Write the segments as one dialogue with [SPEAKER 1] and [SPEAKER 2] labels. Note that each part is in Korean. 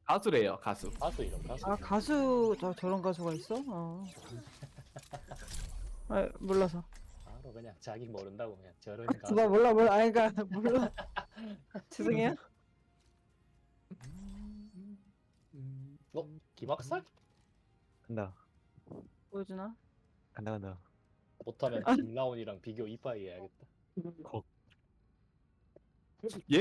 [SPEAKER 1] 가수래요, 가수.
[SPEAKER 2] 가수 이름 가수.
[SPEAKER 3] 아 가수 저런 가수가 있어? 아 몰라서.
[SPEAKER 2] 바로 그냥 자기 모른다고 그냥 저런
[SPEAKER 3] 나
[SPEAKER 2] 가수.
[SPEAKER 3] 몰라 아니 그니까 몰라. 죄송해요.
[SPEAKER 2] 김학살?
[SPEAKER 4] 간다.
[SPEAKER 3] 보여주나?
[SPEAKER 4] 간다.
[SPEAKER 2] 못하면 김라온이랑 비교 이빠이 해야겠다.
[SPEAKER 4] 거.
[SPEAKER 1] 예?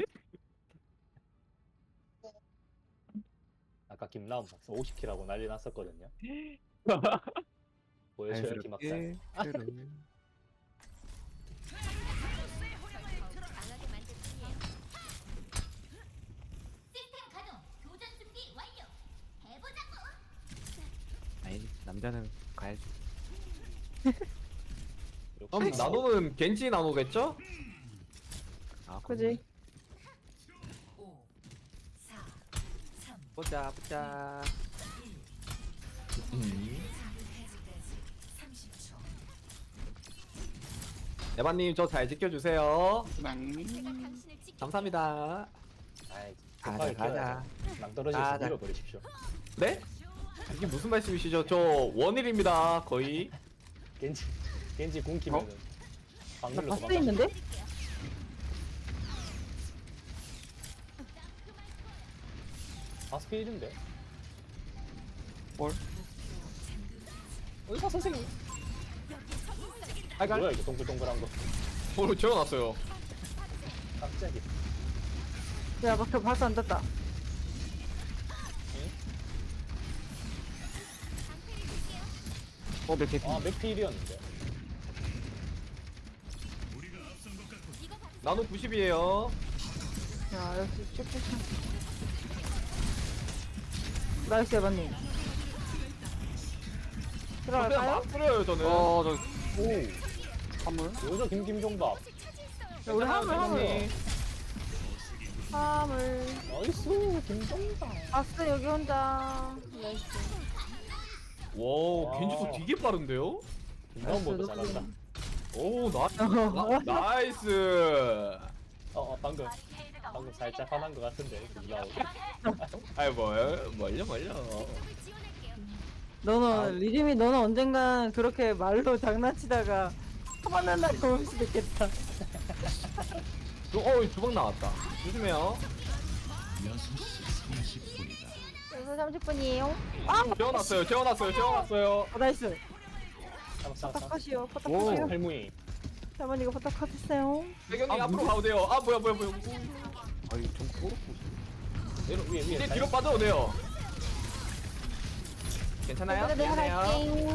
[SPEAKER 2] 아까 김라온 박사 50킬 하고 난리 났었거든요. 보여줘요 김학살.
[SPEAKER 4] 자연스럽게
[SPEAKER 5] 강하게 만들 뿐이에요. 시스템 가동. 교전 준비 완료. 해보자고.
[SPEAKER 4] 아니 남자는 가야지.
[SPEAKER 1] 그럼 나노는 겐지 나노겠죠?
[SPEAKER 4] 아
[SPEAKER 3] 그지?
[SPEAKER 4] 보자.
[SPEAKER 1] 에바님 저 잘 지켜주세요.
[SPEAKER 5] 제가 당신을 지켜.
[SPEAKER 1] 감사합니다.
[SPEAKER 2] 아이
[SPEAKER 4] 가자, 가자.
[SPEAKER 2] 낭떠러지에서
[SPEAKER 4] 가자.
[SPEAKER 2] 밀어버리십시오.
[SPEAKER 1] 네? 이게 무슨 말씀이시죠? 저 원일입니다. 거의.
[SPEAKER 2] 겐지 궁키면은
[SPEAKER 3] 나
[SPEAKER 2] 방밀로
[SPEAKER 3] 바스
[SPEAKER 2] 도망가.
[SPEAKER 3] 있는데?
[SPEAKER 2] 바스필인데?
[SPEAKER 4] 뭘?
[SPEAKER 2] 의사 선생님.
[SPEAKER 1] 아이가
[SPEAKER 2] 뭐야 이거 동글동글한 거.
[SPEAKER 1] 오늘 재워놨어요.
[SPEAKER 2] 깜짝이야.
[SPEAKER 3] 야 바스 안 떴다.
[SPEAKER 4] 몇 개?
[SPEAKER 2] 아 맥필이었는데.
[SPEAKER 1] 나노 90이에요.
[SPEAKER 3] 야 역시 쭉쭉. 나이스 에바님.
[SPEAKER 1] 그냥
[SPEAKER 3] 들어갈까요?
[SPEAKER 1] 막 뿌려요 저는.
[SPEAKER 4] 저
[SPEAKER 2] 오.
[SPEAKER 4] 선물?
[SPEAKER 2] 여자 김김종밥.
[SPEAKER 3] 야, 우리 화물.
[SPEAKER 2] 나이스 김종밥.
[SPEAKER 3] 바스 여기 혼자. 나이스.
[SPEAKER 1] 와 겐지도 되게 빠른데요?
[SPEAKER 2] 김라온보다 잘한다.
[SPEAKER 1] 오 나이스.
[SPEAKER 2] 방금 살짝 화난 것 같은데 김라온.
[SPEAKER 1] 아이 뭘요.
[SPEAKER 5] 지원할게요.
[SPEAKER 3] 너는 리림이 너는 언젠간 그렇게 말로 장난치다가 화만 날이 올 수도 있겠다.
[SPEAKER 1] 주방 나왔다. 조심해요.
[SPEAKER 3] 30분이에요.
[SPEAKER 1] 재워놨어요.
[SPEAKER 3] 나이스.
[SPEAKER 2] 잡았어.
[SPEAKER 3] 포탁하시오.
[SPEAKER 4] 오.
[SPEAKER 3] 포탁하시오.
[SPEAKER 2] 할무이.
[SPEAKER 3] 자만 이거 포탁하셨어요.
[SPEAKER 1] 배경님 앞으로 가도 돼요. 아 뭐야.
[SPEAKER 4] 아니 좀 꼬르고.
[SPEAKER 2] 위에
[SPEAKER 1] 이제 뒤로 빠져도 돼요. 괜찮아요?
[SPEAKER 3] 내가 할게.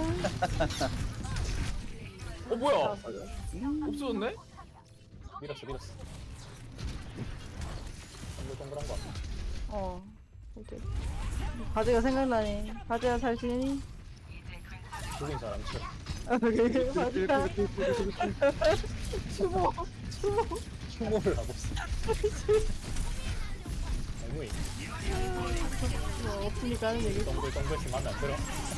[SPEAKER 1] 뭐야? 없어졌네?
[SPEAKER 2] 밀었어. 동글동글한 거.
[SPEAKER 3] 오케이. 바지가 생각나네. 바지야 잘 지내니?
[SPEAKER 2] 죽인 사람 쳐.
[SPEAKER 3] 바지야. 추모.
[SPEAKER 2] 추모를 하고 있어. 할무이.
[SPEAKER 3] 없으니까 하는 얘기.
[SPEAKER 2] 동글동글씩 만나 들어.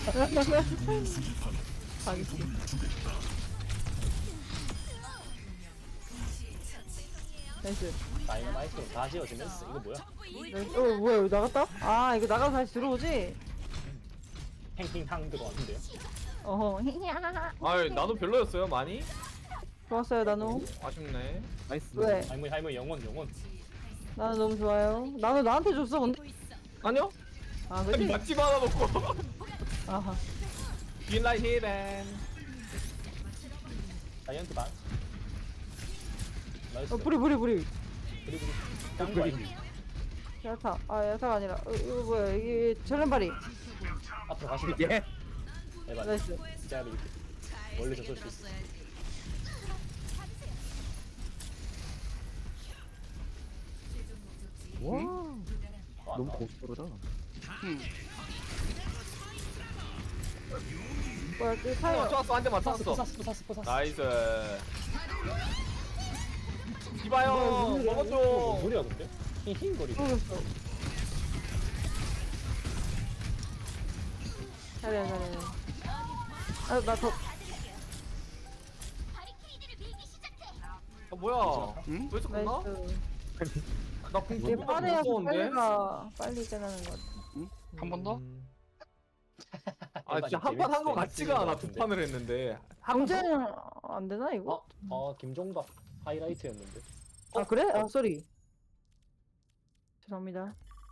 [SPEAKER 3] 나이스.
[SPEAKER 2] 다이너마이트로 다 지어지면서 이거 뭐야?
[SPEAKER 3] 뭐야 여기 나갔다? 아 이거 나가서 다시 들어오지?
[SPEAKER 2] 팽팽탕 들어왔는데요.
[SPEAKER 3] 어허.
[SPEAKER 1] 아이 나도 별로였어요 많이?
[SPEAKER 3] 좋았어요 나노.
[SPEAKER 1] 아쉽네.
[SPEAKER 4] 나이스.
[SPEAKER 3] 왜?
[SPEAKER 2] 할무이 영혼.
[SPEAKER 3] 나는 너무 좋아요. 나는 나한테 줬어 근데.
[SPEAKER 1] 아니요?
[SPEAKER 3] 아
[SPEAKER 1] 아니
[SPEAKER 3] 그치?
[SPEAKER 1] 맛집 하나 먹고
[SPEAKER 3] 아하.
[SPEAKER 1] 빈라이 히벤.
[SPEAKER 2] 자이언트 반. 나이스.
[SPEAKER 3] 뿌리.
[SPEAKER 2] 그리고 짱구
[SPEAKER 3] 야타. 아 야타가 아니라 이거 뭐야 이게 전련발이.
[SPEAKER 2] 앞으로 가시면
[SPEAKER 4] 예.
[SPEAKER 2] 에바
[SPEAKER 3] 나이스.
[SPEAKER 2] 진짜 이렇게 멀리서 쏠 수 있어.
[SPEAKER 4] 와.
[SPEAKER 2] 와,
[SPEAKER 4] 너무
[SPEAKER 2] 나-
[SPEAKER 4] 고스톱이다.
[SPEAKER 3] 뭐야 그 타이어.
[SPEAKER 1] 쐈어 한 대 맞췄어.
[SPEAKER 2] 포사스.
[SPEAKER 1] 나이스. 이봐요 먹어줘.
[SPEAKER 2] 무리야 근데? 힝거리고.
[SPEAKER 3] 모르겠어. 잘해. 나 더.
[SPEAKER 5] 바리케이드를 밀기 시작해.
[SPEAKER 1] 뭐야?
[SPEAKER 4] 응?
[SPEAKER 1] 벌써 끝나?
[SPEAKER 3] 나이스.
[SPEAKER 1] 나궁
[SPEAKER 3] 이게
[SPEAKER 1] 너무
[SPEAKER 3] 빠르야
[SPEAKER 1] 무서운데?
[SPEAKER 3] 빨리 끝나는 것 같아.
[SPEAKER 4] 한 번 더?
[SPEAKER 1] 아 진짜 한 판 한 거 같지가 않아. 두 판을 했는데.
[SPEAKER 3] 경쟁 안 되나 이거?
[SPEAKER 2] 김종박 하이라이트였는데.
[SPEAKER 3] 아 그래? 아 쏘리. 죄송합니다.